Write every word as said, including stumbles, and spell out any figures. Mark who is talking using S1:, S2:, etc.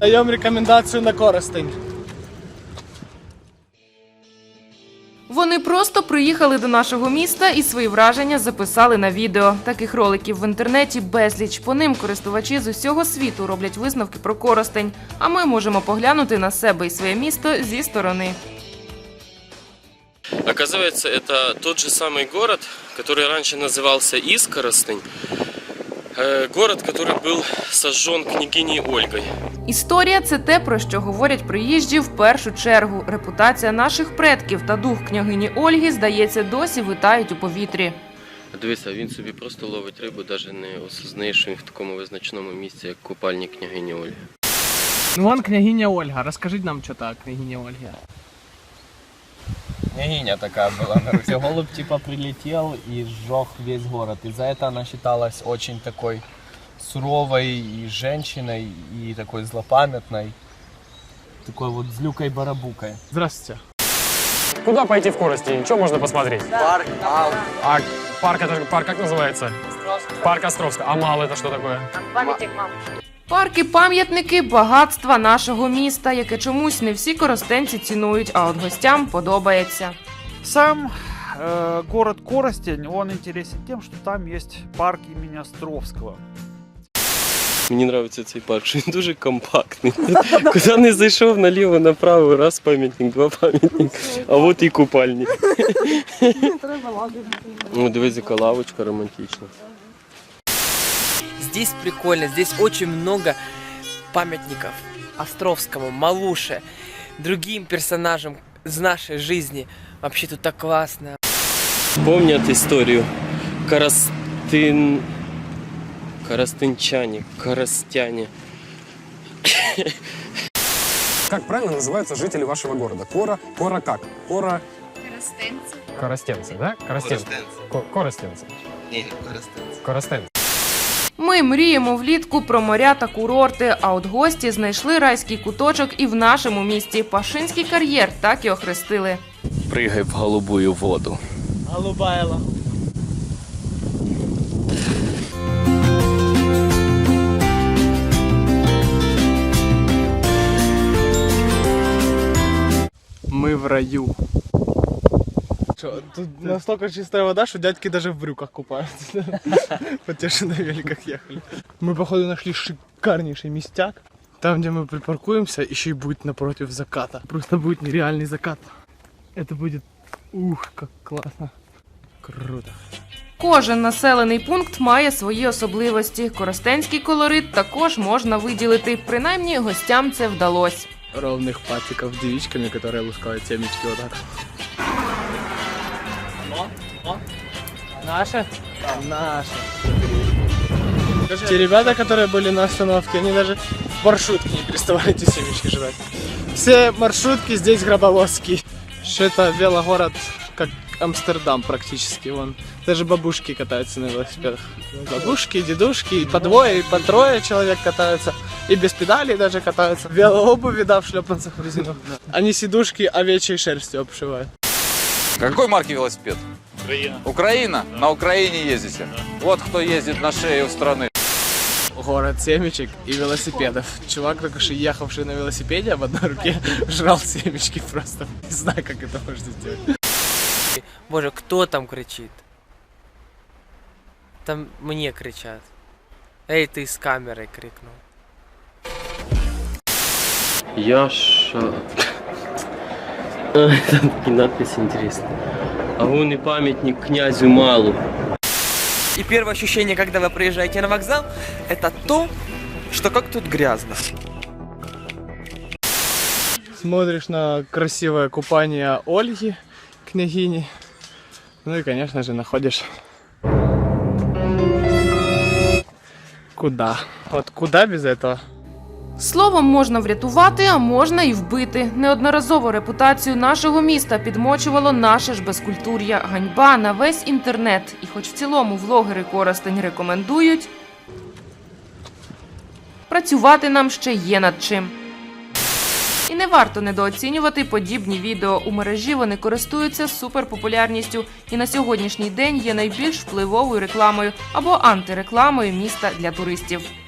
S1: Даємо рекомендацію на Коростень.
S2: Вони просто приїхали до нашого міста і свої враження записали на відео. Таких роликів в інтернеті безліч. По ним користувачі з усього світу роблять висновки про Коростень. А ми можемо поглянути на себе і своє місто зі сторони.
S3: Оказывается, это тот же самый город, который раньше назывался Искоростень. Город, который был сожжен княгиней Ольгой.
S2: Історія – це те, про що говорять приїжджі в першу чергу. Репутація наших предків та дух княгині Ольги, здається, досі витають у повітрі.
S3: Дивися, він собі просто ловить рибу, навіть не осознає, що він в такому визначному місці, як купальні княгині Ольги.
S1: Ну вон княгиня Ольга. Розкажіть нам, що так, княгиня Ольга.
S4: Княгиня такая была на Руси. Голубь типа прилетел и сжег весь город. И за это она считалась очень такой суровой и женщиной, и такой злопамятной. Такой вот злюкой-барабукой.
S1: Здравствуйте.
S5: Куда пойти в Коростень? Что можно посмотреть?
S4: Парк Мал.
S5: А парк, это парк как называется? Островского. Парк Островского. А Мал это что такое?
S6: Памятник мамушки.
S2: Парки-пам'ятники – багатства нашого міста, яке чомусь не всі коростенці цінують, а от гостям подобається.
S7: Сам э, город Коростень, он интересен тем, что там есть парк имени Островского.
S3: Мені подобається цей парк, що він дуже компактний. Куди не зайшов, наліво, направо, раз пам'ятник, два пам'ятник, а от і купальні. Ну, дивись, яка лавочка романтична.
S8: Здесь прикольно, здесь очень много памятников Островскому, Малуше, другим персонажам из нашей жизни. Вообще тут так классно.
S3: Помнят историю? Коростын... Коростынчане, коростяне.
S5: Как правильно называются жители вашего города? Кора, Кора как? Кора...
S6: Коростенці.
S5: Коростенцы, да? Коростенцы. Ко- Коростенцы.
S4: Не, Коростенцы.
S5: Коростенцы.
S2: Ми мріємо влітку про моря та курорти, а от гості знайшли райський куточок і в нашому місті. Пашинський кар'єр так і охрестили.
S3: Пригай в голубую воду.
S1: Голубая лагуна. Мы в раю. Что, тут настолько чистая вода, что дядьки даже в брюках купаются. Вот те, что на великах ехали. Мы, походу, нашли шикарнейший местяк. Там, где мы припаркуемся, еще и будет напротив заката. Просто будет нереальный закат. Это будет... Ух, как классно. Круто.
S2: Кожен населений пункт має свої особливості. Коростенський колорит також можна виділити. Принаймні, гостям це вдалося.
S1: Ровных патиков с девичками, которые лускают семечки вот так. О, о. Наши? Наши. Те ребята, которые были на остановке, они даже в маршрутке не переставали эти семечки жрать. Все маршрутки здесь гробовозские. Что это велогород, как Амстердам практически. Вон. Даже бабушки катаются на велосипедах. Бабушки, дедушки, и по двое, и по трое человек катаются. И без педалей даже катаются. Велообуви, да, в шлепанцах в резину. Они сидушки овечьей шерстью обшивают.
S9: Какой марки велосипед?
S7: Украина.
S9: Украина? На Украине ездите? Вот кто ездит на шее у страны.
S1: Город семечек и велосипедов. Чувак, только что ехавший на велосипеде, а в одной руке жрал семечки просто. Не знаю, как это можно сделать.
S8: Боже, кто там кричит? Там мне кричат. Эй, ты с камерой крикнул.
S3: Яша... Там такие надписи интересные. А вон и памятник князю Малу.
S8: И первое ощущение, когда вы приезжаете на вокзал, это то, что как тут грязно.
S1: Смотришь на красивое купание Ольги, княгини. Ну и, конечно же, находишь... Куда? Вот куда без этого?
S2: Словом можна врятувати, а можна і вбити. Неодноразово репутацію нашого міста підмочувало наше ж безкультур'я. Ганьба на весь інтернет. І хоч в цілому влогери Коростень рекомендують, працювати нам ще є над чим. І не варто недооцінювати подібні відео. У мережі вони користуються суперпопулярністю і на сьогоднішній день є найбільш впливовою рекламою або антирекламою міста для туристів.